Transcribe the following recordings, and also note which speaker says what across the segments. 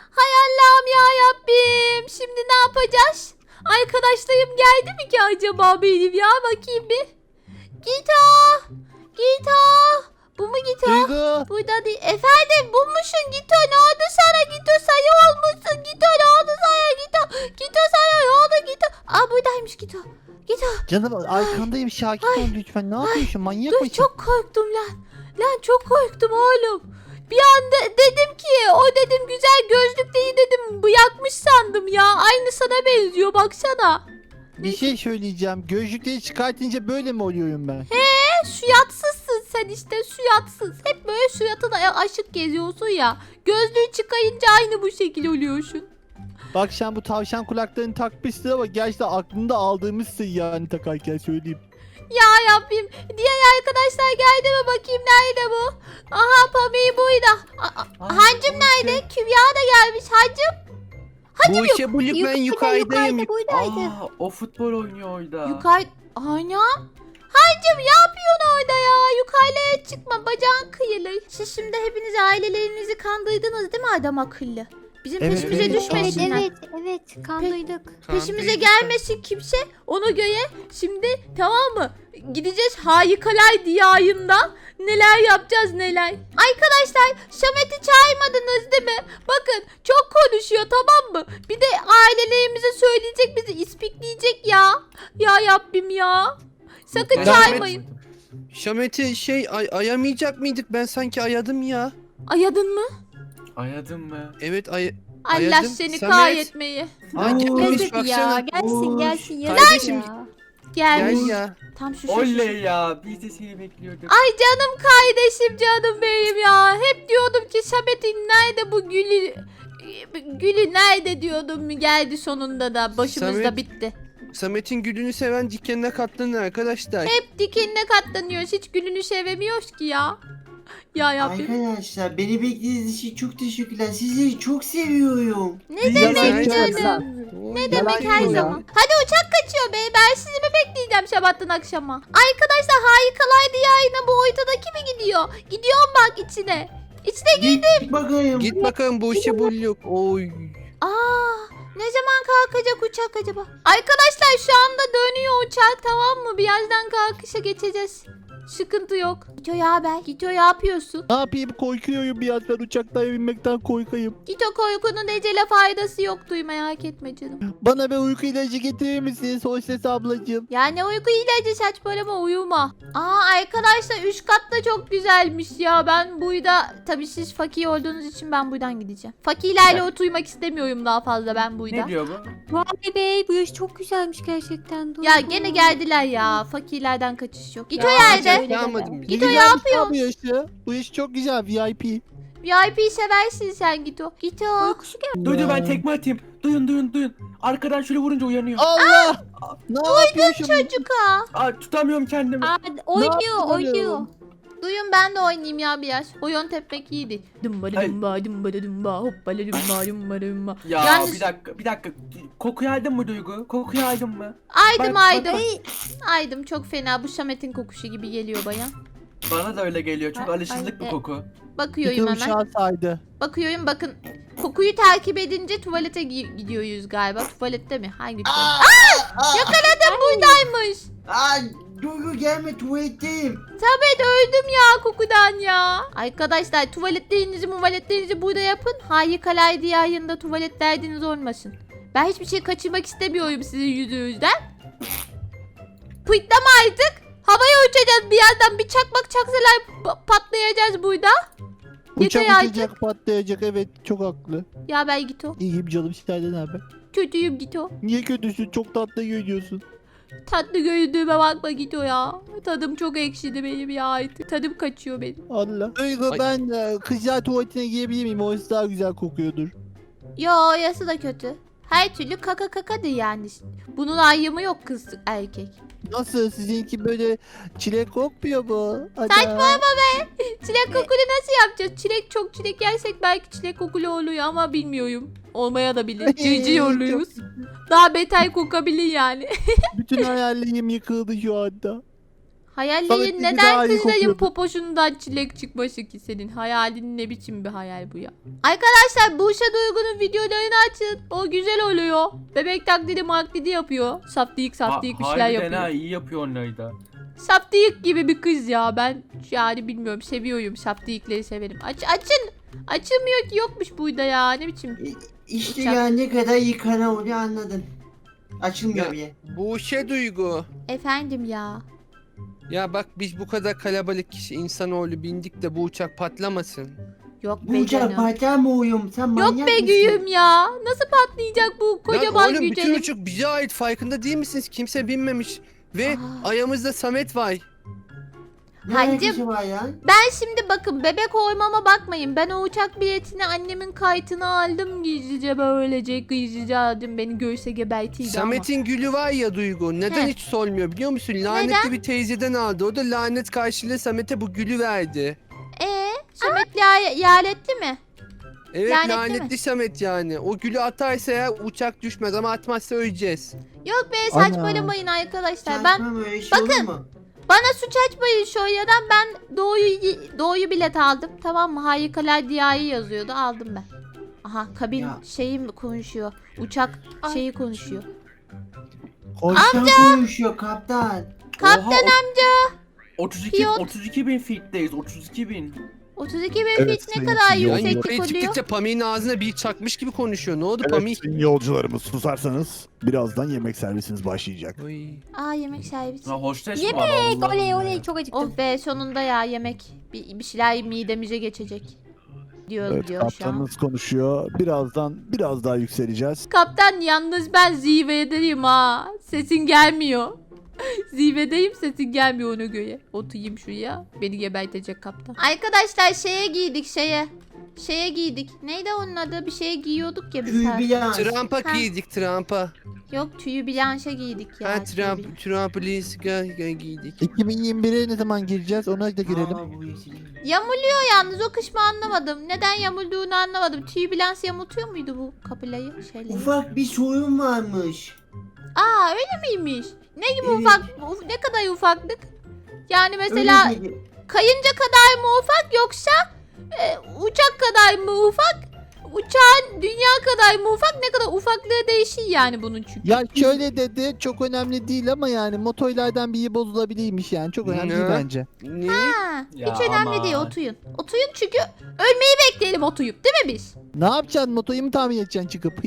Speaker 1: Hay Allah'ım ya Rabbim. Şimdi ne yapacağız? Arkadaşlarım geldi mi ki acaba benim ya? Bakayım bir. Gito. Gito. Bu mu Gito?
Speaker 2: Duygu.
Speaker 1: Burada değil. Efendim bulmuşsun Gito. Ne oldu sana Gito? Sayı olmuşsun Gito. Ne oldu sana Gito? Gito sana ne oldu Gito? Aa buradaymış Gito. Gito.
Speaker 2: Canım arkandayım, Şakir ol lütfen. Ne yapıyorsun? Manyak
Speaker 1: Dur
Speaker 2: mısın?
Speaker 1: çok korktum lan. Lan çok korktum oğlum. Bir anda dedim ki o dedim güzel gözlük değil dedim. Bıyakmış sandım ya. Aynı sana benziyor baksana.
Speaker 2: Bir şey söyleyeceğim. Gözlükleri çıkartınca böyle mi oluyorum ben?
Speaker 1: Suyatsızsın sen işte suyatsız. Hep böyle suyatına aşık geziyorsun ya. Gözlüğü çıkayınca aynı bu şekil oluyorsun.
Speaker 2: Bak sen bu tavşan kulaklarını takmışsın ama gerçekten aklında aldığımızsın yani takarken söyleyeyim.
Speaker 1: Ya Rabbim. Diğer arkadaşlar geldi mi bakayım nerede bu? Aha Pami buydu. Hancım nerede? Kübra da gelmiş. Hancım.
Speaker 3: Bu işe bulduk, ben yukarıdayım.
Speaker 1: buradaydı.
Speaker 4: O futbol oynuyor orada.
Speaker 1: Yukarı... Anam. Hancım ne yapıyorsun orada ya? Yukarıya çıkma bacağın kıyılır. Siz şimdi hepiniz ailelerinizi kandırdınız değil mi adam akıllı? Bizim
Speaker 2: Evet,
Speaker 1: peşimize
Speaker 2: evet.
Speaker 1: düşmesinler.
Speaker 5: Evet kandıydık.
Speaker 1: Peşimize gelmesin kimse. Ona göre şimdi tamam mı? Gideceğiz Harikalar Diyarı'nda. Neler yapacağız neler. Arkadaşlar Samet'i çağırmadınız değil mi? Bakın çok konuşuyor tamam mı? Bir de ailelerimize söyleyecek bizi ispikleyecek ya. Ya Rabbim ya. Sakın
Speaker 3: Ben-
Speaker 1: çağırmayın.
Speaker 3: Şamet'i ayamayacak mıydık? Ben sanki ayadım ya.
Speaker 1: Ayadın mı?
Speaker 4: Ayadın mı?
Speaker 3: Evet
Speaker 1: Allah
Speaker 3: ayadım.
Speaker 1: seni
Speaker 3: Samet.
Speaker 1: kahretmeyi.
Speaker 3: Aa, gelmiş
Speaker 5: Yazık ya.
Speaker 3: baksana.
Speaker 5: Gelsin gelsin yazık
Speaker 3: Kardeşim,
Speaker 5: ya.
Speaker 1: Gelmiş.
Speaker 3: Gel ya.
Speaker 1: Tam şu.
Speaker 4: Oley ya. Biz de seni bekliyorduk.
Speaker 1: Ay canım kardeşim canım benim ya. Hep diyordum ki Samet'in nerede bu gülü. Gülü nerede diyordum geldi sonunda da başımızda
Speaker 3: Samet.
Speaker 1: bitti.
Speaker 3: Samet'in gülünü seven dikenine katlanın arkadaşlar.
Speaker 1: Hep dikenine katlanıyoruz hiç gülünü sevemiyoruz ki ya. Ya yapayım.
Speaker 6: Arkadaşlar beni beklediğiniz için çok teşekkürler. Sizleri çok seviyorum.
Speaker 1: Ne
Speaker 3: Biz
Speaker 1: demek
Speaker 3: de-
Speaker 1: canım? Ne demek her
Speaker 2: ya.
Speaker 1: zaman. Hadi uçak kaçıyor be. Ben sizi mi bekleyeceğim sabahtan akşama? Arkadaşlar Harikalar Diyarı'na bu ortadaki mi gidiyor? Gidiyorum bak içine. İçine
Speaker 6: Git bakayım.
Speaker 3: Git bakalım bu işe bulduk. Oy.
Speaker 1: Aa, ne zaman kalkacak uçak acaba? Arkadaşlar şu anda dönüyor uçak tamam mı? Birazdan kalkışa geçeceğiz. Sıkıntı yok. Gito ya haber. Gito ne yapıyorsun?
Speaker 2: Ne yapayım, korkuyorum biraz, ben uçaktan binmekten korkayım.
Speaker 1: Gito korkunun ecele faydası yok duy merak etme canım.
Speaker 2: Bana bir uyku ilacı getirir misiniz Hostes ablacığım?
Speaker 1: Ya ne uyku ilacı saçmalama uyuma. Aa arkadaşlar üst katta çok güzelmiş ya. Ben buyda tabii siz fakir olduğunuz için ben buradan gideceğim. Fakirlerle oturmak istemiyorum daha fazla ben buyda.
Speaker 4: Ne diyor bu?
Speaker 5: Vay be bu yaş çok güzelmiş gerçekten.
Speaker 1: Ya
Speaker 5: Duygu.
Speaker 1: gene geldiler ya. Fakirlerden kaçış yok. Gito
Speaker 5: Ya,
Speaker 1: nerede?
Speaker 5: öyle
Speaker 3: Yağmadım
Speaker 5: deme.
Speaker 3: bile.
Speaker 1: Gito
Speaker 2: Güzel
Speaker 1: yapıyor.
Speaker 2: Bu yaşı. Bu yaş çok güzel, VIP.
Speaker 1: VIP'yi seversin sen Gito. Gito.
Speaker 5: Uykusu geldi.
Speaker 4: Duydu ben tekme atayım. Duyun. Arkadan şöyle vurunca uyanıyor.
Speaker 2: Allah! Ne yapıyorsun?
Speaker 1: Çocuk ha.
Speaker 4: Aa, tutamıyorum kendimi.
Speaker 5: Aa, oynuyor
Speaker 2: yaptın
Speaker 5: oynuyor.
Speaker 2: oğlum?
Speaker 1: Duyun ben de oynayayım ya biraz. Oyun tepmek iyiydi. Dımba
Speaker 4: Hayır.
Speaker 1: dımba dımba dımba hoppala dımba dımba dımba.
Speaker 4: Ya
Speaker 1: Yalnız-
Speaker 4: bir dakika. Kokuyu aldın mı Duygu? Kokuyu aldın mı?
Speaker 1: Aydım
Speaker 4: Bak,
Speaker 1: aydım.
Speaker 4: bak,
Speaker 1: Aydım çok fena. Bu Samet'in kokuşu gibi geliyor baya.
Speaker 4: Bana da öyle geliyor. Çok
Speaker 1: Ay,
Speaker 4: alışıldık
Speaker 1: ay,
Speaker 4: bu koku.
Speaker 1: Bakıyorum
Speaker 2: Bütün
Speaker 1: hemen.
Speaker 2: uçağı saydı.
Speaker 1: Bakıyorum bakın. Kokuyu takip edince tuvalete gidiyoruz galiba. Tuvalette mi? Hangi tuvalet? Yakaladım buradaymış.
Speaker 6: Aa, Duygu gelme, tuvaletteyim.
Speaker 1: Samet öldüm ya kokudan ya. Arkadaşlar tuvaletlerinizi burada yapın. Harikalar Diyarı'nda tuvalet derdiniz olmasın. Ben hiçbir şey kaçırmak istemiyorum sizin yüzünüzden. Pıtlama artık. Havaya uçacağız bir yerden. Bir çakmak çaksalar patlayacağız burada.
Speaker 2: Uçak
Speaker 1: Yeter artık.
Speaker 2: uçacak, patlayacak, evet çok haklı.
Speaker 1: Ya ben Gito.
Speaker 2: İyiyim canım, senden haber.
Speaker 1: Kötüyüm Gito.
Speaker 2: Niye kötüsün? Çok tatlı görünüyorsun.
Speaker 1: Tatlı göründüğüme bakma Gito ya. Tadım çok ekşidi benim ya artık. Tadım kaçıyor benim.
Speaker 2: Allah. Duygu
Speaker 3: Ay.
Speaker 2: ben kızlar tuvaletine girebilir miyim? Orası daha güzel kokuyordur.
Speaker 1: Yo orası da kötü. Her türlü kaka kakadır yani. Bunun ayrımı yok kız erkek.
Speaker 2: Nasıl? Sizinki böyle çilek kokmuyor mu?
Speaker 1: Saçmalama Çilek kokulu nasıl yapacağız? Çilek yersek belki çilek kokulu oluyor ama bilmiyorum. Olmaya da bilir. Cici oluyoruz. Daha beter kokabilir yani.
Speaker 2: Bütün hayallerim yıkıldı şu anda.
Speaker 1: Hayallerin
Speaker 2: Samet'inki daha
Speaker 1: neden
Speaker 2: iyi
Speaker 1: kızların
Speaker 2: kokuyordu.
Speaker 1: popoşundan çilek çıkması ki senin? Hayalin ne biçim bir hayal bu ya? Arkadaşlar Buse Duygu'nun videolarını açın. O güzel oluyor. Bebek taklidi maklidi yapıyor. Saftirik bir şeyler
Speaker 4: Harbiden
Speaker 1: yapıyor.
Speaker 4: ha, iyi yapıyor onları da.
Speaker 1: Saftirik gibi bir kız ya. Ben yani bilmiyorum, seviyorum. Saftirikleri severim. Açın. Açılmıyor ki, yokmuş burada ya. Ne biçim?
Speaker 6: İşte
Speaker 1: Uçak.
Speaker 6: ya ne kadar yıkana oluyor anladın. Açılmıyor
Speaker 3: Ya.
Speaker 6: bile.
Speaker 3: Bu şey Duygu.
Speaker 1: Efendim ya.
Speaker 3: Ya bak biz bu kadar kalabalık kişi insanoğlu bindik de bu uçak patlamasın.
Speaker 1: Yok
Speaker 6: Bu
Speaker 1: be
Speaker 6: uçak
Speaker 1: canım.
Speaker 6: patlar mı uyum? Sen manyak
Speaker 1: Yok be
Speaker 6: mısın?
Speaker 1: güyüm ya. Nasıl patlayacak bu kocaman
Speaker 3: Lan oğlum bütün
Speaker 1: gücelim?
Speaker 3: uçak bize ait, farkında değil misiniz? Kimse binmemiş. Ve
Speaker 1: Aa.
Speaker 3: ayağımızda Samet var.
Speaker 6: Ne
Speaker 1: Hancım.
Speaker 6: alakası var ya?
Speaker 1: Ben şimdi bakın, bebek olmama bakmayın. Ben o uçak biletini annemin kayıtını aldım gizlice, böylece gizlice aldım. Beni görse gebertiydi
Speaker 3: Samet'in gülü var ya Duygu. Neden
Speaker 1: He.
Speaker 3: hiç solmuyor biliyor musun? Lanetli bir teyzeden aldı. O da lanet karşılığı Samet'e bu gülü verdi.
Speaker 1: ama. Samet yaletli mi?
Speaker 3: Evet
Speaker 1: Lanetli
Speaker 3: lanetli Samet yani. O gülü atarsa ya uçak düşmez ama atmazsa öleceğiz.
Speaker 1: Yok be,
Speaker 2: Ana.
Speaker 1: saçmalamayın arkadaşlar. Ben
Speaker 6: Saçma böyle şey olur
Speaker 1: bakın.
Speaker 6: mu?
Speaker 1: Bana suç açmayın şöyleden. Ben doğuyu bilet aldım. Tamam mı? Harikalar Diyarı yazıyordu. Aldım ben. Aha, kabin
Speaker 6: Ya.
Speaker 1: şeyi mi konuşuyor? Uçak şeyi konuşuyor.
Speaker 6: Kaptan konuşuyor kaptan.
Speaker 1: Kaptan
Speaker 4: Oha, 32
Speaker 1: Pilot.
Speaker 4: 32 bin feet'teyiz. 32 bin.
Speaker 1: 32 bin
Speaker 2: Evet,
Speaker 1: feet ne
Speaker 2: sayın
Speaker 1: kadar
Speaker 2: CEO.
Speaker 3: Yani
Speaker 1: yükseklik
Speaker 3: yukarı
Speaker 1: oluyor?
Speaker 3: çıktıkça Pami'nin ağzına bir çakmış gibi konuşuyor. Ne oldu Pami?
Speaker 2: Evet, sayın yolcularımız susarsanız birazdan yemek servisiniz başlayacak.
Speaker 3: Oy.
Speaker 1: Aa, yemek servisi.
Speaker 4: Ha hostes
Speaker 5: Yemek,
Speaker 4: var Allah
Speaker 5: oley
Speaker 4: Allah.
Speaker 5: oley çok acıktım.
Speaker 1: Oh be, sonunda ya yemek. Bir şeyler midemize geçecek. Diyor
Speaker 2: Evet,
Speaker 1: şu an.
Speaker 2: kaptanımız konuşuyor. Birazdan biraz daha yükseleceğiz.
Speaker 1: Kaptan, yalnız ben zirvedeyim ha. Sesin gelmiyor. Zirvedeyim, sesin gelmiyor ona göre. Oturayım şuraya. Beni gebertecek kaptan. Arkadaşlar şeye giydik şeye. Şeye giydik. Neydi onun adı? Bir şeye giyiyorduk ya biz.
Speaker 6: Tüy bir yans.
Speaker 3: Trump'a
Speaker 1: Ha.
Speaker 3: giydik Trump'a.
Speaker 1: Yok, tüyü blanşe giydik ya.
Speaker 3: Ha
Speaker 1: tüyü blanşe.
Speaker 3: Trump'ı giydik.
Speaker 2: 2021'e ne zaman gireceğiz ona da girelim.
Speaker 6: Aa, bu yeşil.
Speaker 1: Yamuluyor yalnız, o kısmı anlamadım. Neden yamulduğunu anlamadım. Tüy blanş yamultuyor muydu bu kapılayı? Şeyleri?
Speaker 6: Ufak bir sorun varmış.
Speaker 1: Aa, öyle miymiş? Ne gibi
Speaker 6: Evet.
Speaker 1: ufak? Ne kadar ufaklık? Yani mesela
Speaker 6: Öyle dedi.
Speaker 1: kayınca kadar mı ufak, yoksa uçak kadar mı ufak? Uçağın dünya kadar mı ufak? Ne kadar ufaklığı değişir yani bunun çünkü.
Speaker 2: Ya şöyle dedi, çok önemli değil ama yani motorlardan biri bozulabilirmiş yani. Çok önemli değil
Speaker 3: Ne?
Speaker 2: bence.
Speaker 3: Ne?
Speaker 1: Ha,
Speaker 4: Ya
Speaker 1: hiç önemli
Speaker 4: aman.
Speaker 1: değil, otuyun. Otuyun çünkü ölmeyi bekleyelim otuyup, değil mi biz?
Speaker 2: Ne yapacaksın? Motoyu mu tamir edeceksin çıkıp?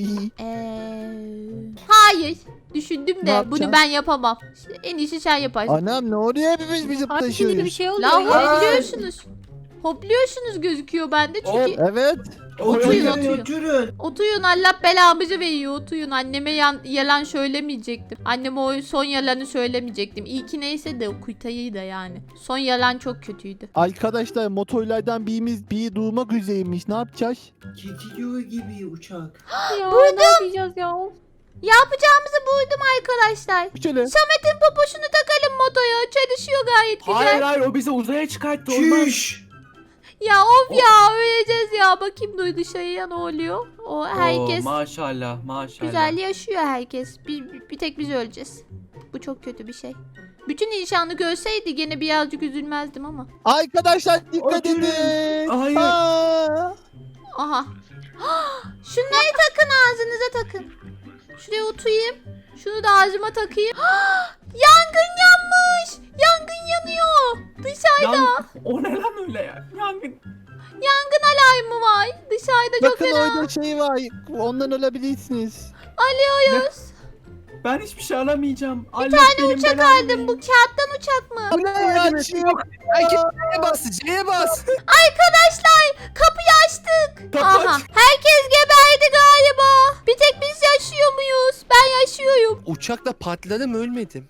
Speaker 1: Hayır. Düşündüm
Speaker 2: Ne
Speaker 1: de
Speaker 2: yapacaksın?
Speaker 1: bunu ben yapamam. İşte en iyisi sen yaparsın.
Speaker 2: Anam ne oluyor, hepimiz bizim
Speaker 5: Artık yeni
Speaker 2: taşıyoruz.
Speaker 5: bir şey oluyor
Speaker 1: La
Speaker 5: ya.
Speaker 1: hopluyorsunuz. Hopluyorsunuz gözüküyor bende çünkü.
Speaker 2: Evet.
Speaker 1: Otuyun,
Speaker 6: Oturun
Speaker 1: otuyun.
Speaker 6: oturun.
Speaker 1: Otuyun, Allah belamızı veriyor, otuyun. Anneme yalan söylemeyecektim. Anneme o son yalanı söylemeyecektim. İlki neyse de o kuytayı da yani. Son yalan çok kötüydü.
Speaker 2: Arkadaşlar motorlardan biri durmak üzereymiş. Ne yapacağız?
Speaker 6: Gidiyor gibi uçak.
Speaker 5: Ya ne yapacağız ya? Of.
Speaker 1: Yapacağımızı buldum arkadaşlar.
Speaker 2: Şöyle.
Speaker 1: Samet'in poposunu takalım motoya. Çalışıyor gayet güzel.
Speaker 4: Hayır hayır, o bizi uzaya çıkarttı. Olmaz.
Speaker 6: Çüş.
Speaker 1: Ya of ya, öleceğiz ya. Bakayım duy dışarıya ne oluyor. O herkes
Speaker 4: Oo, maşallah maşallah.
Speaker 1: güzel yaşıyor herkes. Bir tek biz öleceğiz. Bu çok kötü bir şey. Bütün inşanı görseydi gene birazcık üzülmezdim ama.
Speaker 2: Arkadaşlar dikkat
Speaker 6: Oturun.
Speaker 2: edin.
Speaker 4: Hayır.
Speaker 2: Aa!
Speaker 1: Aha. Şunları takın, ağzınıza takın. Şuraya oturayım. Şunu da ağzıma takayım. Yangın yanmış. Yangın yanıyor. Dışarıda
Speaker 4: O ne lan öyle ya? Yangın.
Speaker 1: yangın alarmı var. Dışarıda çok
Speaker 2: Bakın
Speaker 1: fena.
Speaker 2: orada şey var. Ondan olabilirsiniz.
Speaker 1: Alıyoruz.
Speaker 4: Ben hiçbir şey alamayacağım.
Speaker 1: Bir tane uçak aldım. Bu kağıttan uçak mı?
Speaker 2: Bu ne ya?
Speaker 3: Herkes C'ye bas, C'ye bas.
Speaker 1: Arkadaşlar kapıyı açtık. Aha. Herkes geberdi galiba. Bir tek biz yaşıyor muyuz? Ben yaşıyorum.
Speaker 3: Uçakla patladım ölmedim.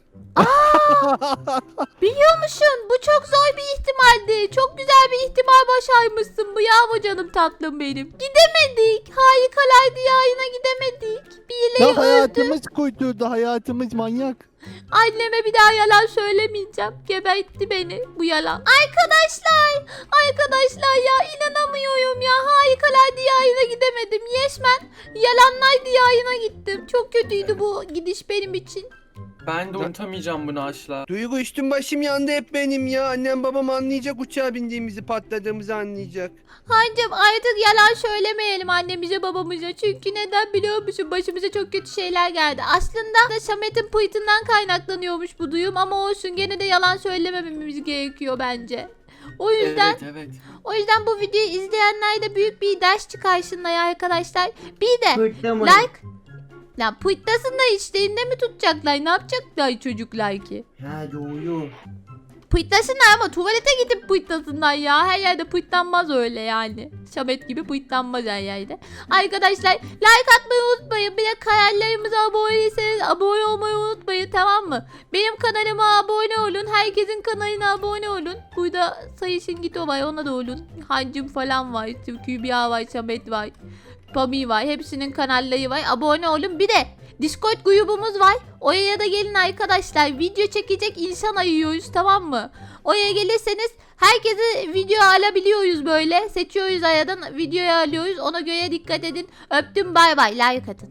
Speaker 1: Biliyor musun? Bu çok zor bir ihtimaldi. Çok güzel bir ihtimal başarmışsın. Bravo canım tatlım benim. Gidemedik. Harikalar diyarına gidemedik. Birileri
Speaker 2: Ya
Speaker 1: öldü.
Speaker 2: hayatımız kuyturdu. Hayatımız manyak.
Speaker 1: Anneme bir daha yalan söylemeyeceğim. Gebertti beni bu yalan. Arkadaşlar ya, inanamıyorum ya. Harikalar diyarına gidemedim. Resmen yalanlar diyarına gittim. Çok kötüydü bu gidiş benim için.
Speaker 4: Ben de unutamayacağım bunu asla.
Speaker 3: Duygu üstüm başım yandı hep benim ya. Annem babam anlayacak, uçağa bindiğimizi, patladığımızı anlayacak.
Speaker 1: Hancım artık yalan söylemeyelim annemize babamıza. Çünkü neden biliyor musun? Başımıza çok kötü şeyler geldi. Aslında da Samet'in pıytından kaynaklanıyormuş bu duyum. Ama olsun, gene de yalan söylemememiz gerekiyor bence. O yüzden
Speaker 4: Evet.
Speaker 1: o yüzden bu videoyu izleyenler de büyük bir ders çıkarsınlar arkadaşlar. Bir de
Speaker 6: Fırtlamayın.
Speaker 1: like. Lan pıytlasınlar işte, elinde mi tutacaklar? Ne yapacaklar çocuklar ki?
Speaker 6: Ha doğru.
Speaker 1: Pıytlasınlar ama tuvalete gidip pıytlasınlar ya. Her yerde pıytlanmaz öyle yani. Samet gibi pıytlanmaz her yerde. Arkadaşlar like atmayı unutmayın. Bir de kanallarımıza abone değilseniz abone olmayı unutmayın, tamam mı? Benim kanalıma abone olun. Herkesin kanalına abone olun. Burada Sayışın Gito var, ona da olun. Hancım falan var. Kübra var, Samet var. Pami var. Hepsinin kanalları var. Abone olun. Bir de Discord grubumuz var. Oraya da gelin arkadaşlar. Video çekecek insan arıyoruz, tamam mı? Oraya gelirseniz herkesi video alabiliyoruz böyle. Seçiyoruz aradan, videoyu alıyoruz. Ona göre dikkat edin. Öptüm, bay bay. Like atın.